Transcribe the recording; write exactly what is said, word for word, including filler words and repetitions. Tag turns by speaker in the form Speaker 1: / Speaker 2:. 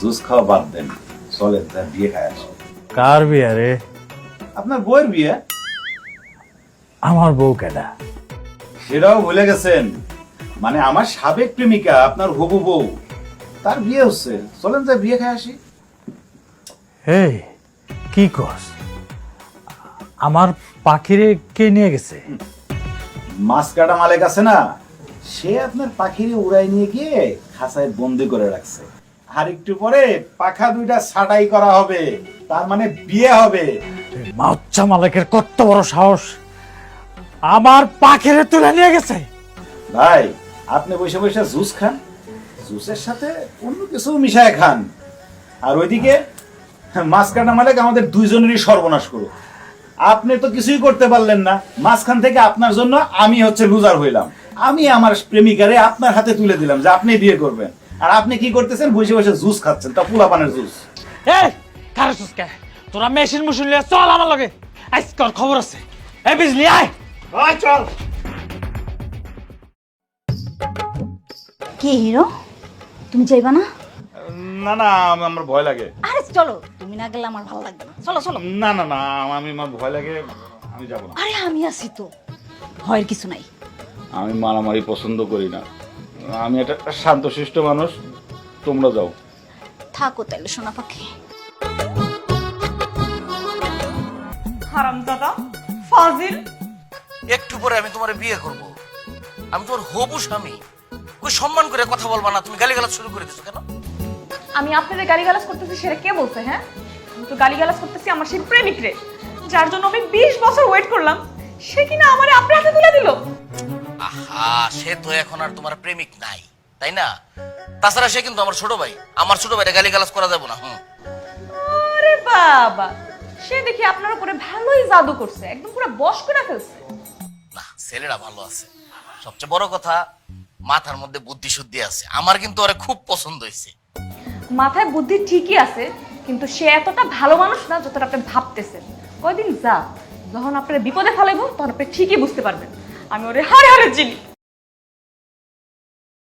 Speaker 1: Juice খাওয়া বাদ দেন, চলেন তার বিয়ে খায় আসো।
Speaker 2: কার বিয়ে রে?
Speaker 1: আপনার বউয়ের বিয়ে।
Speaker 2: আমার বউ কেডা?
Speaker 1: সেটাও ভুলে গেছেন? মানে আমার সাবেক প্রেমিকা, আপনার হবু বউ, তার বিয়ে হচ্ছে। চলেন যা বিয়ে খায় আসি।
Speaker 2: এই কি কস? আমার পাখিরে কে নিয়ে গেছে?
Speaker 1: মাছ কাটা মালিক আছে না, সে আপনার পাখিরে উড়াই নিয়ে গিয়ে খাঁচায় বন্দি করে রাখছে। আর একটু পরে পাখা দুইটা ছাটাই করা হবে, তার মানে বিয়ে হবে।
Speaker 2: মাউচ্চা মালিকের কত বড় সাহস, আমার পাখিরে তুলে নিয়ে গেছে।
Speaker 1: ভাই, আপনি বসে বসে জুস খান, জুসের সাথে অন্য কিছু মিশায় খান, আর ওইদিকে মাছ কাটা মালিক আমাদের দুইজনেরই সর্বনাশ করো। আপনি তো কিছুই করতে পারলেন না, মাঝখান থেকে আপনার জন্য আমি হচ্ছে লুজার হইলাম। আমি আমার প্রেমিকারে আপনার হাতে তুলে দিলাম যে আপনি বিয়ে করবেন, আর আপনি কি করতেছেন? বসে বসে জুস খাচ্ছেন, তা পোলাপানের জুস।
Speaker 2: এই কারে সুস্কা, তোরা মেশিন মুশিন লিয়ে চল আমার লগে, আজকাল খবর আছে। এই বিজলি আয়,
Speaker 1: আয় চল।
Speaker 3: কি হিরো, তুমি যাইবা না?
Speaker 1: না না, আমার ভয় লাগে।
Speaker 3: আরে চলো, তুমি না গেলে আমার ভালো লাগবে না। চলো চলো।
Speaker 1: না না না, আমি আমার ভয় লাগে, আমি যাব না।
Speaker 3: আরে আমি আছি তো, ভয়ের কিছু নাই।
Speaker 1: আমি মারামারি পছন্দ করি না, আমি একটা শান্তশিষ্ট মানুষ। তোমরা যাও।
Speaker 3: থাকো তাইলে সোনা পাখি।
Speaker 4: হারামজাদা ফাজিল।
Speaker 5: একটু পরে আমি তোমার বিয়ে করব, আমি তোমার হবু স্বামী। ওই সম্মান করে কথা বলবা না, তুমি গালিগালাজ শুরু করে দিছো কেন?
Speaker 4: আমি আপনাদের গালিগালাজ করতেছি সেটা কে বলছে? হ্যাঁ, আমি তো গালিগালাজ করতেছি আমার সেই প্রেমিক রে, যার জন্য আমি বিশ বছর ওয়েট করলাম, সে কিনা আমারে আপনার হাতে তুলে দিল।
Speaker 5: আহা, সে তো এখন আর তোমার প্রেমিক নাই, তাই না? তাছাড়া সে কিন্তু আমার ছোট ভাই, আমার ছোট ভাইটা গালিগালাজ করা যাবে না। হুম।
Speaker 4: আরে বাবা, সে দেখি আপনার উপরে ভালোই জাদু করছে, একদম পুরো বশ করে ফেলছে।
Speaker 5: না, ছেলেরা ভালো আছে। সবচেয়ে বড় কথা, মাথার মধ্যে বুদ্ধি শুদ্ধি আছে। আমার কিন্তু ওরে খুব পছন্দ হয়েছে।
Speaker 4: মাথায় বুদ্ধি ঠিকই আছে, কিন্তু সে এতটা ভালো মানুষ না যতটা আপনি ভাবতেছেন। কয়দিন যা, যখন আপনার বিপদে ফেলাইবো তখন আপনি ঠিকই বুঝতে পারবেন আমি ওরে হারে হারে চিনি।